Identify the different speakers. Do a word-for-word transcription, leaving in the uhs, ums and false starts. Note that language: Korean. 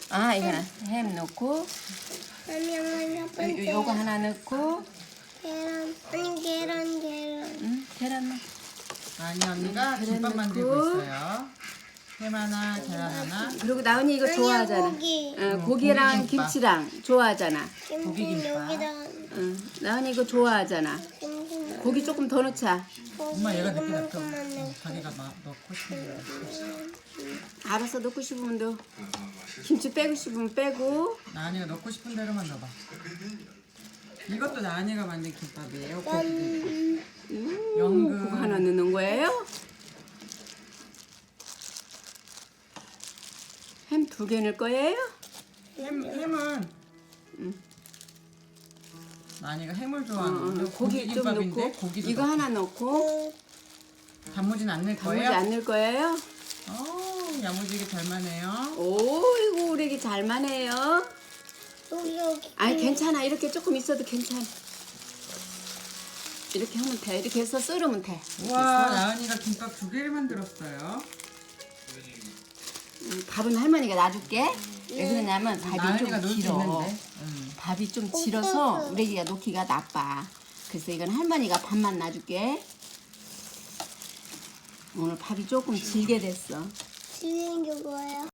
Speaker 1: 아, 이거는 햄 넣고,
Speaker 2: 아니, 첫 번째.
Speaker 1: 요, 요거 하나 넣고,
Speaker 2: 계란. 아니, 계란, 계란.
Speaker 1: 응, 계란 넣고.
Speaker 3: 아니 언니가
Speaker 1: 계란
Speaker 3: 김밥
Speaker 1: 넣고.
Speaker 3: 만들고 있어요. 햄 하나, 계란 하나.
Speaker 1: 그리고 나은이 이거
Speaker 2: 아니야,
Speaker 1: 좋아하잖아.
Speaker 2: 고기.
Speaker 1: 어,
Speaker 3: 응,
Speaker 1: 고기랑
Speaker 3: 고기김밥.
Speaker 1: 김치랑 좋아하잖아.
Speaker 3: 고기
Speaker 2: 김치
Speaker 3: 김밥.
Speaker 2: 여기다.
Speaker 1: 응, 나은이 이거 좋아하잖아.
Speaker 2: 김치.
Speaker 1: 고기 조금 더 넣자.
Speaker 3: 엄마 얘가 늦게 놨어.
Speaker 2: 이만큼만 넣고.
Speaker 3: 자기가 막 넣고 싶은 거.
Speaker 1: 알아서 넣고 싶으면 넣어. 김치 빼고 싶으면 빼고.
Speaker 3: 나은이가 넣고 싶은 대로만 넣어봐. 이것도 나은이가 만든 김밥이에요. 고기
Speaker 2: 짠.
Speaker 1: 음,
Speaker 3: 연근.
Speaker 1: 그거 하나 넣는 거예요? 햄 두 개 넣을 거예요?
Speaker 3: 햄, 햄은 나은이가 햄을
Speaker 1: 어,
Speaker 3: 좋아하는데
Speaker 1: 어, 고기 좀
Speaker 3: 김밥인데
Speaker 1: 넣고
Speaker 3: 고기도
Speaker 1: 이거
Speaker 3: 넣고.
Speaker 1: 하나 넣고
Speaker 3: 단무지는 안 넣을
Speaker 1: 단무지
Speaker 3: 거예요?
Speaker 1: 안 넣을 거예요?
Speaker 3: 어, 야무지게 잘 마네요.
Speaker 1: 오, 이거 우리 애기 잘만해요.
Speaker 2: 여기, 여기.
Speaker 1: 아니 괜찮아. 이렇게 조금 있어도 괜찮아. 이렇게 하면 돼. 이렇게 해서 썰으면 돼.
Speaker 3: 우와, 나은이가 김밥 두 개를 만들었어요.
Speaker 1: 음, 밥은 할머니가 놔줄게. 왜 그러냐면 밥이
Speaker 3: 나은이가
Speaker 1: 좀
Speaker 3: 놀 수
Speaker 1: 길어.
Speaker 3: 있는데. 음.
Speaker 1: 밥이 좀 질어서 우리 애기가 놓기가 나빠. 그래서 이건 할머니가 밥만 놔줄게. 오늘 밥이 조금 질게 됐어.
Speaker 2: 지는 게 뭐예요?